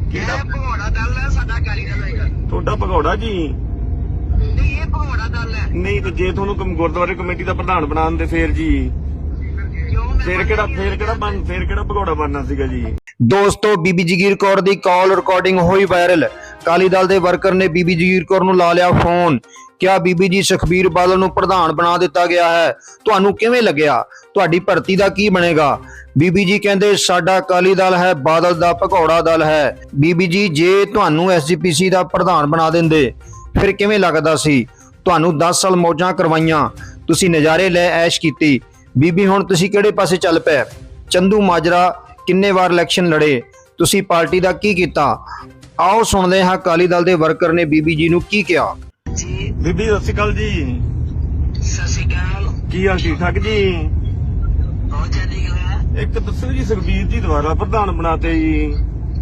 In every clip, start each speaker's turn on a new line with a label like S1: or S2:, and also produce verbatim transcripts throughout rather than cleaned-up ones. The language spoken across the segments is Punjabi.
S1: ਕਿਹੜਾ ਭਗੌੜਾ ਦਲ ਹੈ ਸਾਡਾ ਅਕਾਲੀ ਦਲ ਹੋਏਗਾ।
S2: ਤੁਹਾਡਾ ਭਗੌੜਾ ਜੀ
S1: ਨਹੀਂ ਇਹ ਭਗੌੜਾ ਦਲ ਹੈ।
S2: ਨਹੀਂ ਤੇ ਜੇ ਤੁਹਾਨੂੰ ਕਮ- ਗੁਰਦੁਆਰੇ ਕਮੇਟੀ ਦਾ ਪ੍ਰਧਾਨ ਬਣਾ ਦਿੰਦੇ ਫੇਰ ਜੀ
S1: ਕਿਉਂ ਮੈਂ
S2: ਫੇਰ ਕਿਹੜਾ ਫੇਰ ਕਿਹੜਾ ਬਣ ਫੇਰ ਕਿਹੜਾ ਭਗੌੜਾ ਬਣਨਾ ਸੀਗਾ ਜੀ।
S3: ਦੋਸਤੋ ਬੀਬੀ ਜਗੀਰ ਕੌਰ ਦੀ ਕਾਲ ਰਿਕਾਰਡਿੰਗ ਹੋਈ ਵਾਇਰਲ। ਅਕਾਲੀ ਦਲ ਦੇ ਵਰਕਰ ਨੇ ਬੀਬੀ ਜਗੀਰ ਕੌਰ ਨੂੰ ਲਾ ਲਿਆ ਫੋਨ। ਕਿਹਾ ਬੀਬੀ ਜੀ ਸੁਖਬੀਰ ਬਾਦਲ ਨੂੰ ਪ੍ਰਧਾਨ ਬਣਾ ਦਿੱਤਾ ਗਿਆ ਹੈ, ਤੁਹਾਨੂੰ ਕਿਵੇਂ ਲੱਗਿਆ? ਤੁਹਾਡੀ ਭਰਤੀ ਦਾ ਕੀ ਬਣੇਗਾ? ਬੀਬੀ ਜੀ ਕਹਿੰਦੇ ਸਾਡਾ ਅਕਾਲੀ ਦਲ ਹੈ ਬਾਦਲ ਦਾ ਭਗੌੜਾ ਦਲ ਹੈ। ਬੀਬੀ ਜੀ ਜੇ ਤੁਹਾਨੂੰ ਐਸਜੀਪੀਸੀ ਦਾ ਪ੍ਰਧਾਨ ਬਣਾ ਦਿੰਦੇ ਫਿਰ ਕਿਵੇਂ ਲੱਗਦਾ ਸੀ? ਤੁਹਾਨੂੰ ਦਸ ਸਾਲ ਮੌਜਾਂ ਕਰਵਾਈਆਂ, ਤੁਸੀਂ ਨਜ਼ਾਰੇ ਲੈ ਐਸ਼ ਕੀਤੀ। ਬੀਬੀ ਹੁਣ ਤੁਸੀਂ ਕਿਹੜੇ ਪਾਸੇ ਚੱਲ ਪਏ? ਚੰਦੂ ਮਾਜਰਾ ਕਿੰਨੇ ਵਾਰ ਇਲੈਕਸ਼ਨ ਲੜੇ, ਤੁਸੀਂ ਪਾਰਟੀ ਦਾ ਕੀ ਕੀਤਾ? ਆਓ ਸੁਣਦੇ ਹਾਂ ਅਕਾਲੀ ਦਲ ਦੇ ਵਰਕਰ ਨੇ ਬੀਬੀ ਜੀ ਨੂੰ ਕੀ ਕਿਹਾ।
S1: ਜੀ
S2: ਬੀਬੀ ਸਤਿ ਸ਼੍ਰੀ ਅਕਾਲ ਜੀ।
S1: ਸਤਿ ਸ਼੍ਰੀ ਅਕਾਲ।
S2: ਕੀ ਹਾਲ ਠੀਕ ਠਾਕ ਜੀ?
S1: ਬਹੁਤ ਚੰਗੀ ਗੱਲ ਹੈ।
S2: ਇੱਕ ਦੱਸੋ ਜੀ ਸੁਖਬੀਰ ਜੀ ਦੁਬਾਰਾ ਪ੍ਰਧਾਨ ਬਣਾਤੇ ਜੀ,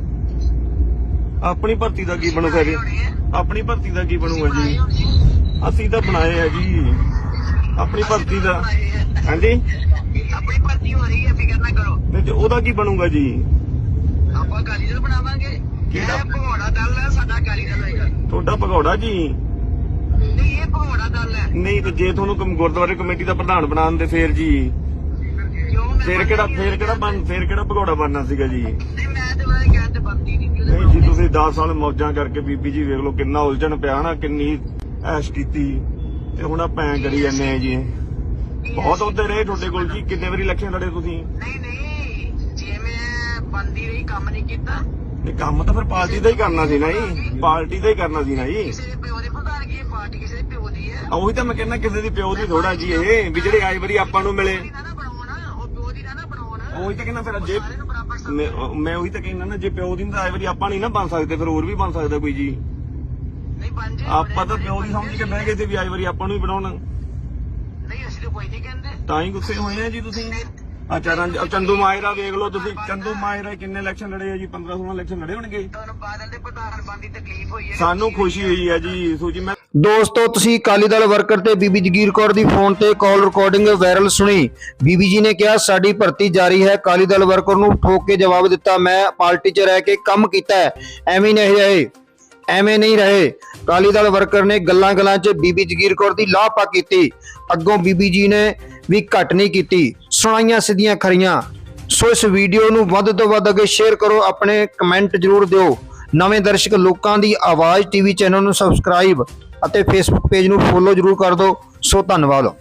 S2: ਆਪਣੀ ਭਰਤੀ ਦਾ ਕੀ ਬਣੂਗਾ ਜੀ? ਆਪਣੀ ਭਰਤੀ ਦਾ ਕੀ ਬਣੂਗਾ ਜੀ? ਅਸੀਂ ਤਾਂ ਬਣਾਏ ਆ ਜੀ ਆਪਣੀ ਭਰਤੀ ਦਾ। ਹਾਂਜੀ
S1: ਆਪਣੀ ਭਰਤੀ ਹੋ ਰਹੀ ਹੈ, ਫਿਕਰ ਨਾ ਕਰੋ।
S2: ਤੇ ਜੇ ਉਹਦਾ ਕੀ ਬਣੂਗਾ ਜੀ?
S1: ਆਪਾਂ ਅਕਾਲੀ ਦਲ ਬਣਾਵਾਂਗੇ।
S2: ਕਿਹੜਾ?
S1: ਇਹ ਭਗੌੜਾ ਦਲ ਹੈ ਸਾਡਾ ਅਕਾਲੀ ਦਲ ਹੋਏਗਾ।
S2: ਤੁਹਾਡਾ ਭਗੌੜਾ ਜੀ
S1: ਨਹੀਂ ਇਹ ਭਗੌੜਾ ਦਲ ਹੈ।
S2: ਨਹੀਂ ਤੇ ਜੇ ਤੁਹਾਨੂੰ ਕਮ- ਗੁਰਦੁਆਰੇ ਕਮੇਟੀ ਦਾ ਪ੍ਰਧਾਨ ਬਣਾ ਦਿੰਦੇ ਫੇਰ ਜੀ
S1: ਕਿਉਂ ਮੈਂ
S2: ਫੇਰ ਕਿਹੜਾ ਫੇਰ ਕਿਹੜਾ ਬਣ ਫੇਰ ਕਿਹੜਾ ਭਗੌੜਾ ਬਣਨਾ ਸੀਗਾ ਜੀ।
S1: ਨਹੀਂ ਮੈਂ ਤੇ ਮੈਂ ਕਹਿੰਦੇ ਬੰਦੀ ਨਹੀਂ
S2: ਨਹੀਂ ਜੀ ਤੁਸੀਂ ਦਸ ਸਾਲ ਮੌਜਾਂ ਕਰਕੇ ਬੀਬੀ ਜੀ ਵੇਖ ਲਓ ਕਿੰਨਾ ਉਲਝਣ ਪਿਆ ਨਾ, ਕਿੰਨੀ ਐਸ਼ ਕੀਤੀ ਤੇ ਹੁਣ ਆਪਾਂ ਐਂ ਕਰੀ ਜਾਂਦੇ ਆ ਜੀ। ਬਹੁਤ ਉੱਤੇ ਰਹੇ ਤੁਹਾਡੇ ਕੋਲ ਜੀ, ਕਿੰਨੇ ਵਾਰੀ ਇਲੈਕਸ਼ਨ ਲੜੇ ਤੁਸੀਂ?
S1: ਨਹੀਂ ਨਹੀਂ ਜੇ ਮੈਂ ਬੰਦੀ ਰਹੀ ਕੰਮ ਨਹੀਂ ਕੀਤਾ।
S2: ਇਹ ਕੰਮ ਤਾਂ ਫਿਰ ਪਾਰਟੀ ਦਾ ਹੀ ਕਰਨਾ ਸੀ ਨਾ ਜੀ, ਪਾਰਟੀ ਦਾ ਹੀ ਕਰਨਾ ਸੀ ਨਾ ਜੀ।
S1: ਕਿਸੇ ਦੇ ਪਿਓ ਦੇ ਪ੍ਰਧਾਨ ਕੀ ਪਾਰਟੀ ਕਿਸੇ ਦੇ ਪਿਓ ਦੀ ਹੈ।
S2: ਉਹੀ ਤਾਂ ਮੈਂ ਕਹਿੰਦਾ ਕਿਸੇ ਦੀ ਪਿਓ ਦੀ ਥੋੜਾ ਜੀ ਇਹ ਵੀ ਜਿਹੜੇ ਆਈ ਵਾਰੀ ਆਪਾਂ ਨੂੰ ਮਿਲੇ।
S1: ਨਾ ਨਾ ਬਣਾਉਣਾ ਉਹ ਪਿਓ ਦੀ ਨਾ ਨਾ ਬਣਾਉਣਾ।
S2: ਉਹੀ ਤਾਂ ਕਹਿੰਦਾ ਫਿਰ ਜੇ
S1: ਸਾਰਿਆਂ ਨੂੰ ਬਰਾਬਰ ਸਮਝ।
S2: ਮੈਂ ਮੈਂ ਉਹੀ ਤਾਂ ਕਹਿੰਦਾ ਨਾ ਜੇ ਪਿਓ ਦੀ ਤਾਂ ਆਈ ਵਾਰੀ ਆਪਾਂ ਨਹੀਂ ਨਾ ਬਣ ਸਕਦੇ ਫਿਰ ਹੋਰ ਵੀ ਬਣ ਸਕਦਾ ਕੋਈ ਜੀ।
S1: ਨਹੀਂ ਬਣ ਜੇ।
S2: ਆਪਾਂ ਤਾਂ ਪਿਓ ਦੀ ਸਮਝ ਕੇ ਬਹਿ ਗਏ ਤੇ ਵੀ ਆਈ ਵਾਰੀ ਆਪਾਂ ਨੂੰ ਹੀ ਬਣਾਉਣਾ।
S1: ਨਹੀਂ ਅਸੀਂ ਤਾਂ ਕੋਈ ਨਹੀਂ ਕਹਿੰਦੇ।
S2: ਤਾਂ ਹੀ ਗੁੱਸੇ ਹੋਏ ਆ ਜੀ ਤੁਸੀਂ। ਅੱਛਾ ਰੰਜ ਚੰਦੂ ਮਾਇਰਾ ਵੇਖ ਲਓ ਤੁਸੀਂ, ਚੰਦੂ ਮਾਇਰਾ ਕਿੰਨੇ ਇਲੈਕਸ਼ਨ ਲੜੇ ਆ ਜੀ? ਪੰਦਰਾਂ ਸੋਲਾਂ ਇਲੈਕਸ਼ਨ ਲੜੇ ਹੋਣਗੇ।
S1: ਤੁਹਾਨੂੰ ਬਾਦਲ ਦੇ ਪ੍ਰਧਾਨ ਬਣ ਦੀ ਤਕਲੀਫ ਹੋਈ ਹੈ।
S2: ਸਾਨੂੰ ਖੁਸ਼ੀ ਹੋਈ ਹੈ ਜੀ ਸੂਜੀ। ਮੈਂ
S3: ਦੋਸਤੋ ਤੁਸੀਂ ਅਕਾਲੀ ਦਲ ਵਰਕਰ ਤੇ ਬੀਬੀ ਜਗੀਰ ਕੌਰ ਦੀ ਫੋਨ ਤੇ ਕਾਲ ਰਿਕਾਰਡਿੰਗ ਵਾਇਰਲ ਸੁਣੀ। ਬੀਬੀ ਜੀ ਨੇ ਕਿਹਾ ਸਾਡੀ ਭਰਤੀ ਜਾਰੀ ਹੈ। ਅਕਾਲੀ ਦਲ ਵਰਕਰ ਨੂੰ ਠੋਕ ਕੇ ਜਵਾਬ ਦਿੱਤਾ ਮੈਂ ਪਾਰਟੀ 'ਚ ਰਹਿ ਕੇ ਕੰਮ ਕੀਤਾ ਹੈ, ਐਵੇਂ ਨਹੀਂ ਰਹੇ ਐਵੇਂ ਨਹੀਂ ਰਹੇ। ਅਕਾਲੀ ਦਲ ਵਰਕਰ ਨੇ ਗੱਲਾਂ ਗੱਲਾਂ 'ਚ ਬੀਬੀ ਜਗੀਰ ਕੌਰ ਦੀ ਲਾਪਾ ਕੀਤੀ। ਅੱਗੋਂ ਬੀਬੀ ਜੀ ਨੇ ਵੀ ਘੱਟ ਨਹੀਂ ਕੀਤੀ, ਸੁਣਾਈਆਂ ਸਿੱਧੀਆਂ ਖਰੀਆਂ। ਸੋ ਇਸ ਵੀਡੀਓ ਨੂੰ ਵੱਧ ਤੋਂ ਵੱਧ ਅੱਗੇ ਸ਼ੇਅਰ ਕਰੋ, ਆਪਣੇ ਕਮੈਂਟ ਜ਼ਰੂਰ ਦਿਓ। ਨਵੇਂ ਦਰਸ਼ਕ ਲੋਕਾਂ ਦੀ ਆਵਾਜ਼ ਟੀਵੀ ਚੈਨਲ ਨੂੰ ਸਬਸਕ੍ਰਾਈਬ ਅਤੇ ਫੇਸਬੁੱਕ ਪੇਜ ਨੂੰ ਫੋਲੋ ਜ਼ਰੂਰ ਕਰ ਦਿਓ। ਸੋ ਧੰਨਵਾਦ।